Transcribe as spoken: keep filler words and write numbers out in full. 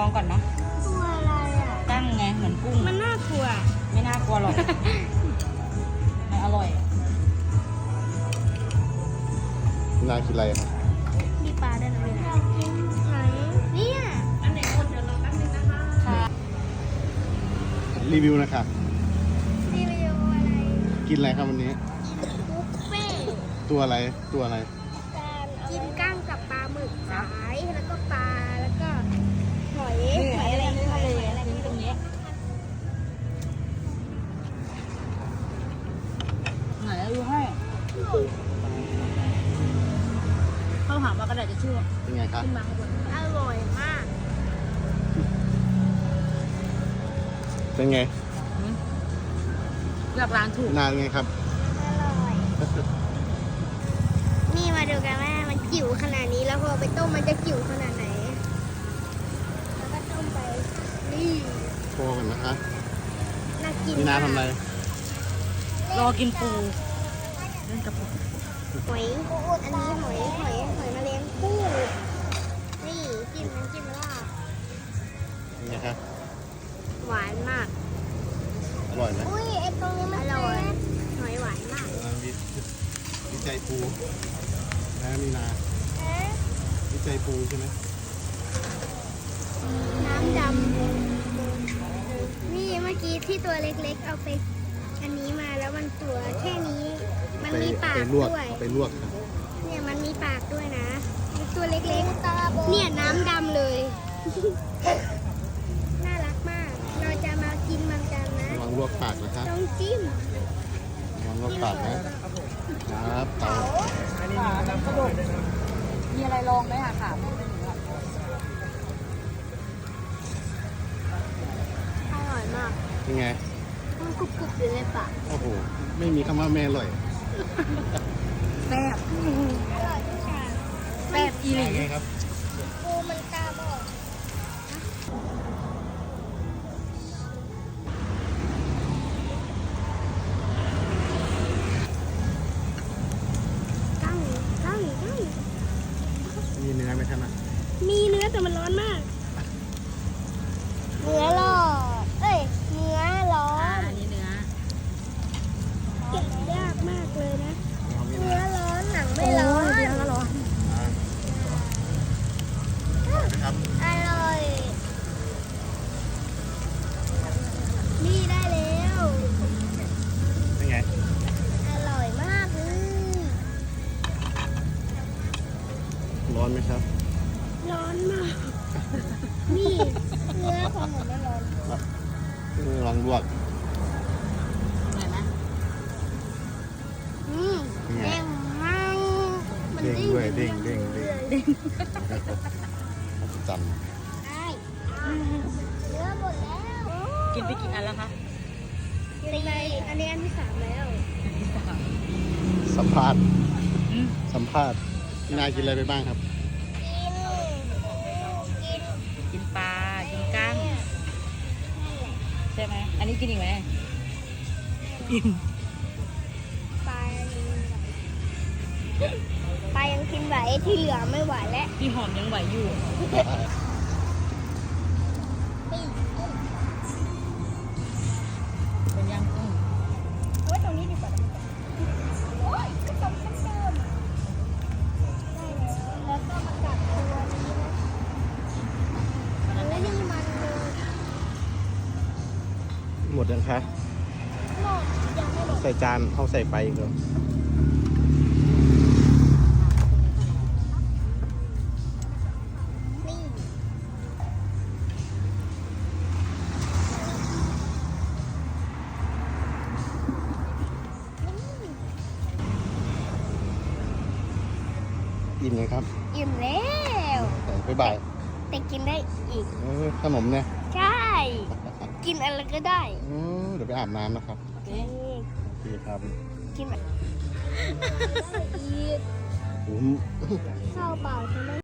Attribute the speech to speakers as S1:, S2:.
S1: องก่อนเนาะ
S2: ตัวอะไรอ่ะ
S1: ตั้งไงเหมือนกุ้ง
S2: มันน่ากลัว
S1: ไม่น่ากลัวหรอกมันอร่อย
S3: นากินอะไรครับ
S2: มีปลาด้วยนะอยากกินไหนเนี่ยอันไหนคนเดี๋ยวรอแป๊บนึงนะคะ
S1: ค่ะ
S3: รีวิวนะคะ
S2: รีวิวอะไร
S3: กินอะไรครับวันนี้
S2: บุฟเฟ่ต์
S3: ตัวอะไรตัวอะไร
S2: กินกั้งกับปลาหมึกสายแล้วก็ปลาแล้วก็หอย
S1: นี่
S2: หอยอะไร
S1: นี่
S2: ห
S1: ทะ
S2: อย
S1: เล
S2: อะไร
S1: นี่ตรงนี้ไหนดูให้เข้าหามากระดาษจะชื่อ
S3: เป็นไงครับ
S1: ขึ้นมาข้างบน
S2: อร่อยมาก
S3: เป็นไง
S1: เลือกร้านถูก
S3: นานไงครับ
S2: อร่อย นี่มาดูกันว่ามันจิ๋วขนาดนี้แล้วพอไปต้มมันจะจิ๋วขนาดไหน แล้วก็ต้มไป นี่
S3: โทรกันนะคะ
S2: น่ากิน
S3: มีนาทำอะไร
S1: รอกินปูเล่นกับปู
S2: หอย อันนี้หอยหอยหอยแมลงภู่นี่จิ้มน้ำจิ้มลาบ
S3: เป็นไงครับ
S2: หวานมาก
S3: อร่อยไหม
S2: อุ้ยไอตรงนี้มันอร่อยหอยหวานมาก
S3: อ่ามีวิจัยปูนะมีนาวิจัยปูใช่ไหม
S2: น้ำดำนี่เมื่อกี้ที่ตัวเล็กๆ เอาไป อันนี้มาแล้วมันตัวแค่นี้ มัน
S3: ไป
S2: มีปา
S3: ไป
S2: ก
S3: ลวก
S2: ด้วย
S3: เอาไปลวกครับ
S2: เนี่ยมันมีปากด้วยนะมีตัวเล็กๆ เนี่ยน้ำดำเลย น่ารักมาก เราจะมากินมันกันนะ
S3: ระวังลวกปากนะคะ
S2: ต้องจิ้ม
S3: ระวังลวกปากนะครับเตา
S1: ขาแบบกระโดดมีอะไรลองไหมคะขาไม่เป็นอย่างนี้หรอก
S2: อร่อยมาก
S3: เป็นไง
S2: มันกรุบๆอยู่ในปาก
S3: โอ้โหไม่มีคำว่าแม่อร่อย
S1: แซ่บ
S2: อร่อยทุกอย่าง
S1: แซ่บอีหลี
S3: ไงครับ
S2: ปูมันตาบอดกั้งกั้งกั้ง
S3: มีเนื้อไหมครับนะ
S2: มีเนื้อแต่มันร้อนมาก เนื้อร้อนเอ้ย เนื้อร้อ
S1: อ่าน อันนี้เนื้อ
S2: เก็บยากมากเลยนะ
S3: เอามี
S2: เนื้
S3: นา
S2: อร้อนหนังไม่ร้อน
S1: เนื้อก็ร้อน
S3: อ่าอร่อยไหมครับ
S2: อร่อย นี่ได้แล้ว
S3: เป็นไง
S2: อร่อยมากเลย
S3: ร้อนไหมครับ
S2: ร้อนมาก นี่เนื้อของหนูไม่ร้อน
S3: ลองลวก
S1: เหนื่อยไหม
S2: อืม
S3: เป็นไง
S2: เด้งมากมัน
S3: เด้งด้วยเด้งเด้งเด้ง
S2: เด้ง
S3: จ
S2: ได้เนื้อหมดแล้ว
S1: กินไปกี่อันแล้วคะ
S2: ตีอันนี้อันที่สามแล้ว
S3: ำสัมภาษณ์
S1: อืม
S3: สัมภาษณ์พี่นากินอะไรไปบ้างครับ
S2: กิน กิน
S1: กินปลา กินกั้ง ใช่ไหม อันนี้กินอีกไหมอิ่ม
S2: ปลาปลายังกินไหวที่เหลือไม่ไหวแล้ว
S1: พี่หอมยังไหวอยู่ เป็นยังอืม
S2: เอาไว้ตรงนี้ดีกว่าโอ้ยก็ตรงเส้นเดิมได้แล้วแล้วก็มากัดตัวนี้นะเฮ้ยนี่มันเลย
S3: หมดยังคะ
S2: หมดยังไม่หมด
S3: ใส่จานเอาใส่ไปอีกเหรอ
S2: นี่
S3: อิ่มไหมครับ
S2: อิ่มแล้ว
S3: บ๊ายบาย
S2: แต่กินได้อีก
S3: เออขนมเนี่ย
S2: ใช่ กินอะไรก็ได้
S3: เออเดี๋ยวไปอาบน้ำนะครับ
S1: โอเค
S3: โอเคครับ
S2: กินแบบอีก
S3: อืม
S2: ข้าวเปล่าใช่ไหม